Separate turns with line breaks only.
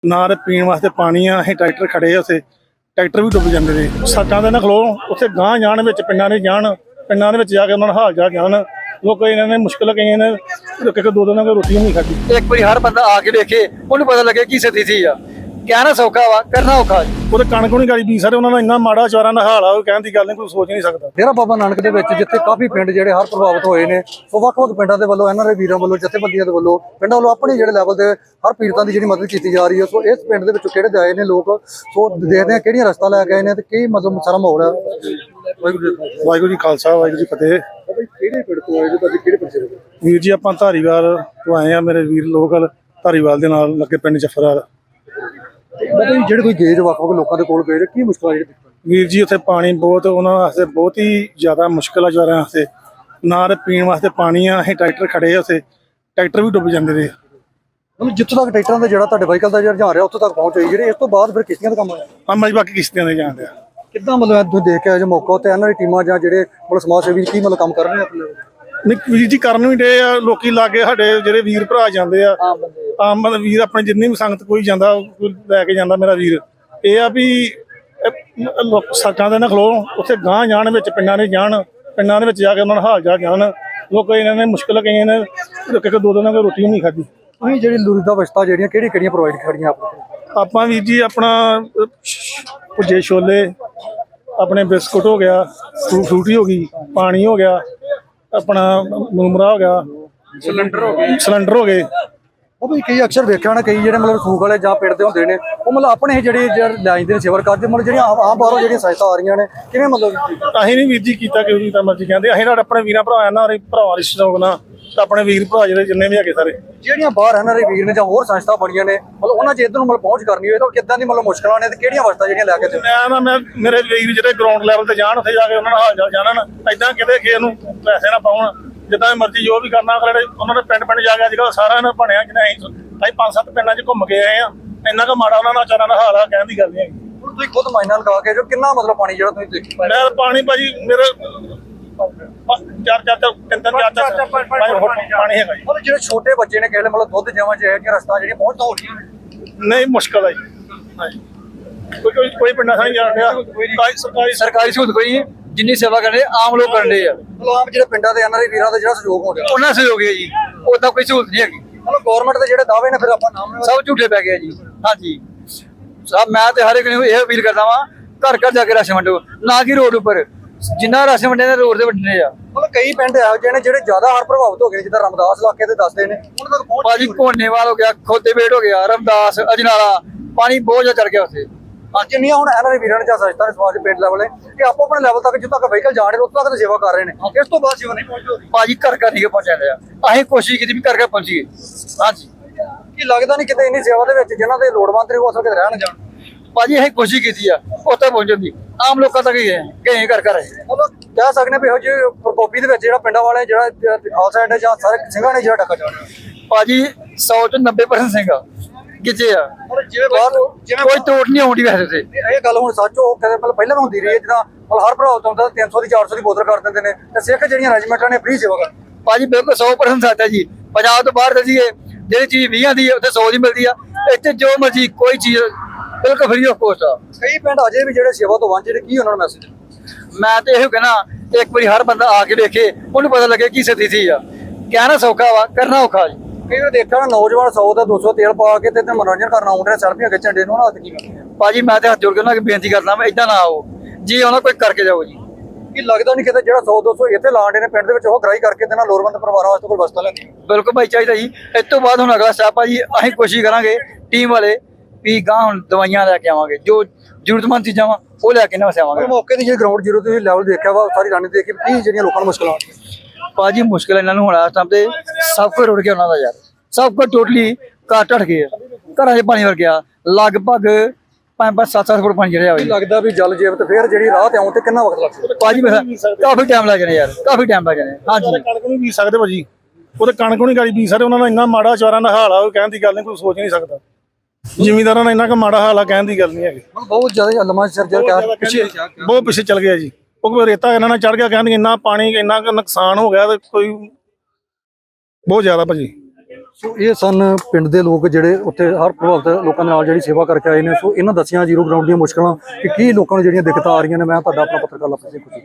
ਨਾ ਤੇ ਪੀਣ ਵਾਸਤੇ ਪਾਣੀ ਆ। ਅਸੀਂ ਟਰੈਕਟਰ ਖੜੇ ਆ, ਉੱਥੇ ਟਰੈਕਟਰ ਵੀ ਡੁੱਬ ਜਾਂਦੇ ਨੇ। ਸੱਟਾਂ ਦੇ ਨਾ ਖਲੋ ਉੱਥੇ ਗਾਂਹ ਜਾਣ ਵਿੱਚ ਪਿੰਡਾਂ ਦੇ ਜਾਣ, ਪਿੰਡਾਂ ਦੇ ਵਿੱਚ ਜਾ ਕੇ ਉਹਨਾਂ ਦਾ ਹਾਲ ਚਾਲ ਜਾਣ। ਲੋਕ ਇਹਨਾਂ ਨੇ ਮੁਸ਼ਕਿਲ ਕਈਆਂ ਨੇ ਇੱਕ ਦੋ ਦਿਨਾਂ ਦੀ ਰੋਟੀ ਨਹੀਂ ਖਾਧੀ।
ਇੱਕ ਵਾਰੀ ਹਰ ਬੰਦਾ ਆ ਕੇ ਵੇਖੇ, ਉਹਨੂੰ ਪਤਾ ਲੱਗੇ ਕੀ ਸਥਿਤੀ ਆ। ਕਹਿਣਾ ਸੌਖਾ ਵਾ, ਕਰਨਾ ਔਖਾ ਜੀ।
ਉਹਦੇ ਕਣਕ ਨਹੀਂ ਗਾਲੀ ਬੀ ਸਾਰੇ, ਉਹਨਾਂ ਦਾ ਇੰਨਾ ਮਾੜਾ ਚਾਰਾਂ ਦਾ ਹਾਲ ਆ, ਉਹ ਕਹਿਣ ਦੀ ਗੱਲ ਨਹੀਂ, ਕੋਈ ਸੋਚ ਨਹੀਂ ਸਕਦਾ।
ਡੇਰਾ ਬਾਬਾ ਨਾਨਕ ਦੇ ਵਿੱਚ ਜਿੱਥੇ ਕਾਫੀ ਪਿੰਡ ਜਿਹੜੇ ਹਰ ਪ੍ਰਭਾਵਿਤ ਹੋਏ ਨੇ, ਉਹ ਵੱਖ-ਵੱਖ ਪਿੰਡਾਂ ਦੇ ਵੱਲੋਂ ਐਨਆਰਆਈ ਵੀਰਾਂ ਵੱਲੋਂ ਜਥੇਬੰਦੀਆਂ ਦੇ ਵੱਲੋਂ ਪਿੰਡਾਂ ਵੱਲੋਂ ਆਪਣੇ ਜਿਹੜੇ ਲੈਵਲ ਦੇ ਹਰ ਪੀੜਤਾਂ ਦੀ ਜਿਹੜੀ ਮਦਦ ਕੀਤੀ ਜਾ ਰਹੀ ਹੈ। ਸੋ ਇਸ ਪਿੰਡ ਦੇ ਵਿੱਚੋਂ ਕਿਹੜੇ ਆਏ ਨੇ ਲੋਕ, ਸੋ ਦੇਖਦੇ ਆ ਕਿਹੜੀਆਂ ਰਸਤਾ ਲੈ ਕੇ ਆਏ ਨੇ ਤੇ ਕੀ ਮਤਲਬ ਸਾਰਾ ਮਾਹੌਲ ਹੈ।
ਵਾਹਿਗੁਰੂ ਜੀ ਖਾਲਸਾ, ਵਾਹਿਗੁਰੂ ਜੀ ਫਤਿਹ।
ਕਿਹੜੇ ਪਿੰਡ ਤੋਂ ਆਏ ਜੀ ਤੁਸੀਂ, ਕਿਹੜੇ ਪਿੰਡ ਦੇ?
ਵੀਰ ਜੀ ਆਪਾਂ ਧਾਰੀਵਾਲ ਤੋਂ ਆਏ ਆ, ਮੇਰੇ ਵੀਰ ਲੋਕਲ ਧਾਰੀਵਾਲ ਦੇ ਨਾਲ ਲੱਗੇ ਪਿੰਡ ਜਫਰਾਲ।
ਜਿਹੜੇ ਕੋਈ ਗਏ ਵੱਖ-ਵੱਖ ਲੋਕਾਂ ਦੇ ਕੋਲ ਗਏ, ਕੀ ਮੁਸ਼ਕਲਾਂ ਜਿਹੜੀ?
ਵੀਰ ਜੀ ਉੱਥੇ ਪਾਣੀ ਬਹੁਤ, ਉਹਨਾਂ ਵਾਸਤੇ ਬਹੁਤ ਹੀ ਜ਼ਿਆਦਾ ਮੁਸ਼ਕਿਲ ਆ। ਜਵਾਰਾਂ ਵਾਸਤੇ ਨਾ ਤੇ ਪੀਣ ਵਾਸਤੇ ਪਾਣੀ ਆ। ਅਸੀਂ ਟਰੈਕਟਰ ਖੜੇ ਆ, ਉੱਥੇ ਟਰੈਕਟਰ ਵੀ ਡੁੱਬ ਜਾਂਦੇ ਨੇ।
ਮਤਲਬ ਜਿੱਥੋਂ ਤੱਕ ਟਰੈਕਟਰਾਂ ਦਾ ਜਿਹੜਾ ਤੁਹਾਡੇ ਵਾਹੀਕਲ ਦਾ ਜਿਹੜਾ ਰੁਝਾਨ ਰਿਹਾ ਉੱਥੋਂ ਤੱਕ ਪਹੁੰਚ ਹੋਈ, ਜਿਹੜੇ ਇਸ ਤੋਂ ਬਾਅਦ ਫਿਰ ਕਿਸ਼ਤੀਆਂ ਦਾ ਕੰਮ ਆਇਆ
ਆਮ ਜੀ ਬਾਕੀ ਕਿਸ਼ਤੀਆਂ ਦੇ ਜਾਣ ਡਿਆ।
ਕਿੱਦਾਂ ਮਤਲਬ ਤੁਸੀਂ ਦੇਖ ਕੇ ਆਏ ਜੋ ਮੌਕਾ ਉੱਤੇ ਐਨਆਰਆਈ ਟੀਮਾਂ ਜਾਂ ਜਿਹੜੇ ਮਤਲਬ ਸਮਾਜ ਸੇਵੀ ਕੀ ਮਤਲਬ ਕੰਮ ਕਰ ਰਹੇ ਨੇ ਆਪਣੇ?
ਨਹੀਂ ਵੀਰ ਜੀ ਕਰਨ ਵੀ ਡੇ ਆ, ਲੋਕੀ ਲਾਗੇ ਸਾਡੇ ਜਿਹੜੇ ਵੀਰ ਭਰਾ ਜਾਂਦੇ ਆ, ਆਮ ਮਤਲਬ ਵੀਰ ਆਪਣੇ ਜਿੰਨੀ ਵੀ ਸੰਗਤ ਕੋਈ ਜਾਂਦਾ, ਕੋਈ ਲੈ ਕੇ ਜਾਂਦਾ। ਮੇਰਾ ਵੀਰ ਇਹ ਆ ਵੀ ਸੱਟਾਂ ਦੇ ਨਾ ਖਲੋ ਉੱਥੇ ਗਾਂਹ ਜਾਣ ਵਿੱਚ ਪਿੰਡਾਂ ਦੇ ਜਾਣ, ਪਿੰਡਾਂ ਦੇ ਵਿੱਚ ਜਾ ਕੇ ਉਹਨਾਂ ਦਾ ਹਾਲ ਚਾਲ ਜਾਣ। ਲੋਕ ਇਹਨਾਂ ਨੇ ਮੁਸ਼ਕਿਲ ਕਈਆਂ ਨੇ ਇੱਕ ਦੋ ਦਿਨਾਂ ਦੀ ਰੋਟੀ ਨਹੀਂ ਖਾਧੀ।
ਤੁਸੀਂ ਜਿਹੜੀ ਲੋੜੀਂਦਾ ਵਸਤਾਂ ਜਿਹੜੀਆਂ ਕਿਹੜੀਆਂ ਪ੍ਰੋਵਾਈਡ ਕਰੀਆਂ
ਆਪਾਂ ਵੀਰ ਜੀ ਆਪਣਾ ਭੁੱਜੇ ਛੋਲੇ, ਆਪਣੇ ਬਿਸਕੁਟ ਹੋ ਗਿਆ, ਫਰੂਟੀ ਹੋ ਗਈ, ਪਾਣੀ ਹੋ ਗਿਆ, ਆਪਣਾ ਮੁਰਮਰਾ ਹੋ ਗਿਆ, ਸਿਲੰਡਰ ਹੋ ਗਏ।
ਉਹ ਵੀ ਕਈ ਅਕਸਰ ਵੇਖਿਆ ਹੋਣਾ, ਕਈ ਜਿਹੜੇ ਮਤਲਬ ਸੂਕ ਵਾਲੇ ਜਾਂ ਪਿੰਡ ਦੇ ਹੁੰਦੇ ਨੇ, ਉਹ ਮਤਲਬ ਆਪਣੇ ਜਿਹੜੇ ਲੈ ਜਾਂਦੇ ਨੇ ਸੇਵਾ ਕਰਦੇ, ਮਤਲਬ ਜਿਹੜੀਆਂ ਆਮ ਬਾਹਰੋਂ ਜਿਹੜੀਆਂ ਸਹਾਇਤਾ ਆ ਰਹੀਆਂ ਨੇ, ਕਿਵੇਂ ਮਤਲਬ?
ਅਸੀਂ ਨਹੀਂ ਵੀਰ ਜੀ ਕੀਤਾ ਕਿ ਉਹਦੀ ਤਾਂ ਮਰਜ਼ੀ ਕਹਿੰਦੇ। ਅਸੀਂ ਸਾਡੇ ਆਪਣੇ ਵੀਰਾਂ ਭਰਾ ਨਾਲ ਭਰਾਵਾਂ ਦੇ ਸ਼ੌਕ ਨਾਲ ਤਾਂ ਆਪਣੇ ਵੀਰ ਭਰਾ ਜਿਹੜੇ ਜਿੰਨੇ ਵੀ ਹੈਗੇ ਸਾਰੇ
ਜਿਹੜੀਆਂ ਬਾਹਰ ਐਨਆਰਆਈ ਵੀਰ ਨੇ ਜਾਂ ਹੋਰ ਸੰਸਥਾ ਬਣੀਆਂ ਨੇ, ਮਤਲਬ ਉਹਨਾਂ 'ਚ ਇੱਧਰ ਨੂੰ ਮਤਲਬ ਪਹੁੰਚ ਕਰਨੀ ਹੋਵੇ ਤਾਂ ਕਿੱਦਾਂ ਦੀ ਮਤਲਬ ਮੁਸ਼ਕਲਾਂ ਨੇ ਤੇ ਕਿਹੜੀਆਂ ਵਸਤਾਂ ਜਿਹੜੀਆਂ ਲੈ ਕੇ
ਮੈਂ ਮੇਰੇ ਵੀਰ ਜਿਹੜੇ ਗਰਾਊਂਡ ਲੈਵਲ ਤੇ ਜਾਣ, ਉੱਥੇ ਜਾ ਕੇ ਉਹਨਾਂ ਨਾਲ ਹਾਲ ਚਾਲ ਜਾਣਨ। ਏਦਾਂ ਕਿਤੇ ਕਿਸੇ ਨੂੰ ਪੈਸੇ ਨਾ ਪਾਉਣ, ਜਿੱਦਾਂ ਮਰਜ਼ੀ ਜੋ ਵੀ ਕਰਨਾ ਅਗਲੇ ਉਹਨਾਂ ਨੇ ਪਿੰਡ ਜਾ ਕੇ ਅੱਜ ਕੱਲ੍ਹ ਸਾਰਾ ਇਹਨਾਂ ਬਣਿਆ। ਜਿਹਨੇ ਅਸੀਂ 5-7 ਪਿੰਡਾਂ 'ਚ ਘੁੰਮ ਕੇ ਆਏ ਆ, ਇੰਨਾ ਕੁ ਮਾੜਾ ਉਹਨਾਂ ਦਾ ਚਾਰਾਂ ਦਾ ਹਾਲ ਆ, ਕਹਿਣ ਦੀ ਗੱਲ ਨਹੀਂ ਹੈਗੀ।
ਹੁਣ ਤੁਸੀਂ ਖੁਦ ਮਾਇਨਾ ਲਗਾ ਕੇ ਜੋ ਕਿੰਨਾ ਮਤਲਬ ਪਾਣੀ ਜਿਹੜਾ ਤੁਸੀਂ ਦੇਖੀ
ਮੈਂ ਪਾਣੀ ਭਾਜੀ ਮੇਰੇ 4-4 ਪਾਣੀ ਹੈਗਾ ਜੀ।
ਮਤਲਬ ਜਿਹੜੇ ਛੋਟੇ ਬੱਚੇ ਨੇ ਕਹਿੰਦੇ ਮਤਲਬ ਦੁੱਧ ਜਾਵਾਂ ਚ ਇਹ ਰਸਤਾ ਜਿਹੜੀਆਂ ਪਹੁੰਚਦਾ ਹੋ ਰਹੀਆਂ ਨੇ,
ਨਹੀਂ ਮੁਸ਼ਕਲ ਹੈ ਜੀ। ਕੋਈ ਪਿੰਡਾਂ ਸਾਂ ਜਾਣ ਡਿਆ,
ਸਰਕਾਰੀ ਸਹੂਲਤ ਕੋਈ ਨਹੀਂ, ਜਿੰਨੀ ਸੇਵਾ ਕਰਦੇ ਆਮ ਲੋਕ ਕਰਦੇ ਆ।
ਮਤਲਬ ਆਮ ਜਿਹੜੇ ਪਿੰਡਾਂ ਦੇ ਐਨਆਰਆਈ ਵੀਰਾਂ ਦਾ ਜਿਹੜਾ ਸਹਿਯੋਗ ਹੋ ਰਿਹਾ,
ਉਹਨਾਂ ਸਹਿਯੋਗ ਹੈ ਜੀ, ਉਦਾਂ ਕੋਈ ਸਹੂਲਤ ਨਹੀਂ ਹੈਗੀ।
ਮਤਲਬ ਗਵਰਨਮੈਂਟ ਦੇ ਜਿਹੜੇ ਦਾਅਵੇ ਨੇ ਫਿਰ ਆਪਾਂ ਨਾਮ
ਸਭ ਝੂਠੇ ਪੈ ਗਏ ਜੀ। ਹਾਂਜੀ ਸਭ, ਮੈਂ ਤੇ ਹਰ ਇੱਕ ਨੂੰ ਇਹ ਅਪੀਲ ਕਰਦਾ ਵਾਂ, ਘਰ ਘਰ ਜਾ ਕੇ ਰਾਸ਼ਨ ਵੰਡੋ, ਨਾ ਕਿ ਰੋਡ ਉੱਪਰ। ਜਿੰਨਾ ਰਾਸ਼ਨ ਵੰਡੇ ਨੇ ਰੋਡ ਤੇ ਵੰਡਣੇ ਆ।
ਮਤਲਬ ਕਈ ਪਿੰਡ ਇਹੋ ਜਿਹੇ ਨੇ ਜਿਹੜੇ ਜ਼ਿਆਦਾ ਹਰ ਪ੍ਰਭਾਵਿਤ ਹੋ ਗਏ, ਜਿੱਦਾਂ ਰਮਦਾਸ ਇਲਾਕੇ ਦੇ ਦੱਸਦੇ ਨੇ, ਉਹਨਾਂ ਤੱਕ ਪਹੁੰਚ
ਭਾਜੀ ਕੋਨੇਵਾਲ ਹੋ ਗਿਆ, ਖੋਤੇਬੇਟ ਹੋ ਗਿਆ, ਰਮਦਾਸ, ਅਜਨਾਲਾ, ਪਾਣੀ ਬਹੁਤ ਜ਼ਿਆਦਾ ਚੜ ਗਿਆ ਉੱਥੇ।
ਜਿੰਨੀਆਂ ਹੁਣ ਐਨਆਰਆਈ ਵੀਰਾਂ ਨੇ ਜਾਂ ਸੰਸਥਾ ਨੇ ਸਮਾਜ ਪਿੰਡ ਲੈਵਲ ਕਿ ਆਪੋ ਆਪਣੇ ਲੈਵਲ ਤੱਕ ਜਿੱਥੋਂ ਤੱਕ ਵਹੀਕਲ ਜਾ ਰਹੇ ਨੇ ਉੱਥੋਂ ਤੱਕ ਸੇਵਾ ਕਰ ਰਹੇ ਨੇ, ਇਸ ਤੋਂ ਬਾਅਦ ਸੇਵਾ ਨਹੀਂ ਪਹੁੰਚਦੀ।
ਭਾਜੀ ਘਰ ਘਰ ਨਹੀਂ ਪਹੁੰਚਾਉਂਦੇ ਆ, ਅਸੀਂ ਕੋਸ਼ਿਸ਼ ਕੀਤੀ ਵੀ ਘਰ ਘਰ ਪਹੁੰਚੀਏ। ਹਾਂਜੀ
ਕੀ ਲੱਗਦਾ ਨਹੀਂ ਕਿਤੇ ਇੰਨੀ ਸੇਵਾ ਦੇ ਵਿੱਚ ਜਿਨ੍ਹਾਂ ਦੇ ਲੋੜਵੰਦ ਨੇ ਉਹ ਅਸਲ ਕਿਤੇ ਰਹਿਣ ਜਾਣ?
ਭਾਜੀ ਅਸੀਂ ਕੋਸ਼ਿਸ਼ ਕੀਤੀ ਆ ਉੱਥੇ ਪਹੁੰਚਣ ਦੀ, ਆਮ ਲੋਕਾਂ ਤੱਕ ਹੀ ਗਏ ਘਰ ਘਰ।
ਮਤਲਬ ਕਹਿ ਸਕਦੇ ਵੀ ਇਹੋ ਜਿਹੇ ਪ੍ਰਕੋਪੀ ਦੇ ਵਿੱਚ ਜਿਹੜਾ ਪਿੰਡਾਂ ਵਾਲੇ ਜਿਹੜਾ ਖਾਲਸਾ ਐਡ ਜਾਂ ਸਾਰੇ ਸਿੰਘਾਂ ਨੇ ਜਿਹੜਾ ਟੱਕਾ ਜਾਣਾ।
ਭਾਜੀ 100 ਤੋਂ 90% ਸਿੰਘ ਕਿੱਥੇ ਆ,
ਜਿਵੇਂ
ਕੋਈ ਤੋੜ ਨਹੀਂ ਆਉਂਦੀ ਵੈਸੇ ਤੇ।
ਇਹ ਗੱਲ ਹੁਣ ਸੱਚ ਉਹ ਕਹਿੰਦੇ ਮਤਲਬ ਪਹਿਲਾਂ ਹੁੰਦੀ ਰਹੀ ਹੈ, ਜਿੱਦਾਂ ਮਤਲਬ ਹਰ ਭਰਾ ਹੁੰਦਾ 300 ਦੀ 400 ਦੀ ਬੋਤਲ ਕਰ ਦਿੰਦੇ ਨੇ ਤੇ ਸਿੱਖ ਜਿਹੜੀਆਂ ਰੈਜੀਮੈਂਟਾਂ ਨੇ ਫ੍ਰੀ ਸੇਵਾ ਕਰ।
ਭਾਜੀ ਬਿਲਕੁਲ 100% ਸੱਚ ਹੈ ਜੀ। ਪੰਜਾਬ ਤੋਂ ਬਾਹਰ ਦਸੀਏ ਜਿਹੜੀ ਚੀਜ਼ 20 ਦੀ ਹੈ ਉੱਥੇ 100 ਦੀ ਮਿਲਦੀ ਆ, ਇੱਥੇ ਜੋ ਮਰਜੀ ਕੋਈ ਚੀਜ਼ ਬਿਲਕੁਲ ਫ੍ਰੀ ਆਫ ਕੋਸਟ ਆ।
ਕਈ ਪਿੰਡ ਅਜੇ ਵੀ ਜਿਹੜੇ ਸੇਵਾ ਤੋਂ ਵਾਂਝੇ ਨੇ, ਕੀ ਉਹਨਾਂ ਨੂੰ ਮੈਸੇਜ?
ਮੈਂ ਤੇ ਇਹੋ ਕਹਿਣਾ, ਇੱਕ ਵਾਰੀ ਹਰ ਬੰਦਾ ਆ ਕੇ ਵੇਖੇ, ਉਹਨੂੰ ਪਤਾ ਲੱਗੇ ਕੀ ਸਥਿਤੀ ਆ। ਕਹਿਣਾ ਸੌਖਾ ਵਾ, ਕਰਨਾ ਔਖਾ ਜੀ।
ਕਈ ਵਾਰ ਦੇਖਿਆ ਨਾ ਨੌਜਵਾਨ 100 ਦਾ 200 ਤੇਲ ਪਾ ਕੇ ਤੇ ਮਨੋਰੰਜਨ ਕਰਨ ਆਉਂਦੇ ਨੇ, ਸੈਲਫੀਆਂ ਖਿੱਚਣ ਦੇ ਨੂੰ, ਉਹਨਾਂ ਹੱਥ ਕੀ ਕਰਦੇ?
ਭਾਜੀ ਮੈਂ ਤੇ ਹੱਥ ਜੋੜ ਕੇ ਉਹਨਾਂ ਅੱਗੇ ਬੇਨਤੀ ਕਰਦਾ ਮੈਂ ਏਦਾਂ ਨਾ ਆਓ ਜੀ, ਉਹਨਾਂ ਕੋਈ ਕਰਕੇ ਜਾਓ ਜੀ।
ਕੀ ਲੱਗਦਾ ਨਹੀਂ ਕਿਤੇ ਜਿਹੜਾ 100-200 ਇੱਥੇ ਲਾਉਂਦੇ ਨੇ ਪਿੰਡ ਦੇ ਵਿੱਚ ਉਹ ਗ੍ਰਾਈ ਕਰਕੇ ਤੇ ਨਾਲ ਲੋੜਵੰਦ ਪਰਿਵਾਰਾਂ ਵਾਸਤੇ ਕੋਈ ਵਸਤਾਂ ਲੈਂਦੀ?
ਬਿਲਕੁਲ ਭਾਈ ਚਾਹੀਦਾ ਜੀ। ਇਸ ਤੋਂ ਬਾਅਦ ਹੁਣ ਅਗਲਾ ਸਟੈਪ ਆ ਜੀ, ਅਸੀਂ ਕੋਸ਼ਿਸ਼ ਕਰਾਂਗੇ ਟੀਮ ਵਾਲੇ ਵੀ ਗਾਂ ਹੁਣ ਦਵਾਈਆਂ ਲੈ ਕੇ ਆਵਾਂਗੇ, ਜੋ ਜ਼ਰੂਰਤਮੰਦ ਚੀਜ਼ਾਂ ਵਾ ਉਹ ਲੈ ਕੇ ਨਾ ਵਸਾਵਾਂਗੇ।
ਮੌਕੇ ਦੀ ਜਿਹੜੀ ਗਰਾਊਂਡ ਜ਼ੀਰੋ ਤੇ ਲੈਵਲ ਦੇਖਿਆ ਵਾ, ਸਾਰੀ ਰਾਣੀ ਦੇਖੀ ਕੀ ਜਿਹੜੀਆਂ ਲੋਕਾਂ ਨੂੰ ਮੁਸ਼ਕਲਾਂ ਆਉਂਦੀਆਂ।
ਭਾਜੀ ਮੁਸ਼ਕਿਲ ਇਹਨਾਂ ਨੂੰ ਹੋਣਾ ਇਸ ਟਾਈਮ ਤੇ, ਸਭ ਕੁਝ ਰੁੜ ਗਿਆ ਉਹਨਾਂ ਦਾ ਯਾਰ, ਸਭ ਕੁਝ ਟੋਟਲੀ ਘਰ ਢੱਠ ਗਏ, ਘਰਾਂ 'ਚ ਪਾਣੀ ਵਰ ਗਿਆ, ਲਗਭਗ 5-7 ਫੁੱਟ ਪਾਣੀ ਜਿਹੜਾ ਹੋਇਆ।
ਲੱਗਦਾ ਵੀ ਜਲ ਜੀਵ ਤੇ ਫੇਰ ਜਿਹੜੀ ਰਾਹ ਤੇ ਆਉਣ ਤੇ ਕਿੰਨਾ ਵਕਤ ਲੱਗਦਾ?
ਭਾਜੀ ਕਾਫੀ ਟਾਈਮ ਲੱਗ ਜਾਣਾ ਯਾਰ, ਕਾਫੀ ਟਾਈਮ ਲੱਗ ਜਾਣਾ। ਹਾਂਜੀ
ਕਣਕ ਨਹੀਂ ਬੀਜ ਸਕਦੇ ਭਾਜੀ, ਉਹਦੇ ਕਣਕ ਨਹੀਂ ਗਾਲੀ ਬੀਜ ਸਕਦੇ। ਉਹਨਾਂ ਦਾ ਇੰਨਾ ਮਾੜਾ ਚਾਰਾਂ ਦਾ ਹਾਲ ਆ, ਉਹ ਕਹਿਣ ਦੀ ਗੱਲ ਨਹੀਂ, ਕੋਈ ਸੋਚ ਨਹੀਂ ਸਕਦਾ। ਜ਼ਿਮੀਂਦਾਰਾਂ ਦਾ ਇੰਨਾ ਕੁ ਮਾੜਾ ਹਾਲ ਆ, ਕਹਿਣ ਦੀ ਗੱਲ ਨਹੀਂ ਹੈਗੀ।
ਬਹੁਤ ਜ਼ਿਆਦਾ ਲੰਮਾ ਸਿਰ ਪਿੱਛੇ
ਬਹੁਤ ਪਿੱਛੇ ਚਲ ਗਿਆ ਜੀ। ਉਹ ਰੇਤਾ ਇਹਨਾਂ ਨਾਲ ਚੜ ਗਿਆ, ਕਹਿੰਦੇ ਇੰਨਾ ਪਾਣੀ ਇੰਨਾ ਕੁ ਨੁਕਸਾਨ ਹੋ ਗਿਆ ਤੇ ਕੋਈ ਬਹੁਤ ਜ਼ਿਆਦਾ ਭਾਜੀ।
ਸੋ ਇਹ ਸਨ ਪਿੰਡ ਦੇ ਲੋਕ ਜਿਹੜੇ ਉੱਥੇ ਹਰ ਪ੍ਰਭਾਵਿਤ ਲੋਕਾਂ ਦੇ ਨਾਲ ਜਿਹੜੀ ਸੇਵਾ ਕਰਕੇ ਆਏ ਨੇ। ਸੋ ਇਹਨਾਂ ਦੱਸੀਆਂ ਜ਼ੀਰੋ ਗਰਾਊਂਡ ਦੀਆਂ ਮੁਸ਼ਕਲਾਂ ਕਿ ਕੀ ਲੋਕਾਂ ਨੂੰ ਜਿਹੜੀਆਂ ਦਿੱਕਤਾਂ ਆ ਰਹੀਆਂ ਨੇ। ਮੈਂ ਤੁਹਾਡਾ ਆਪਣਾ ਪੱਤਰਕਾਰ ਲਵਪ੍ਰੀਤ ਸਿੰਘ।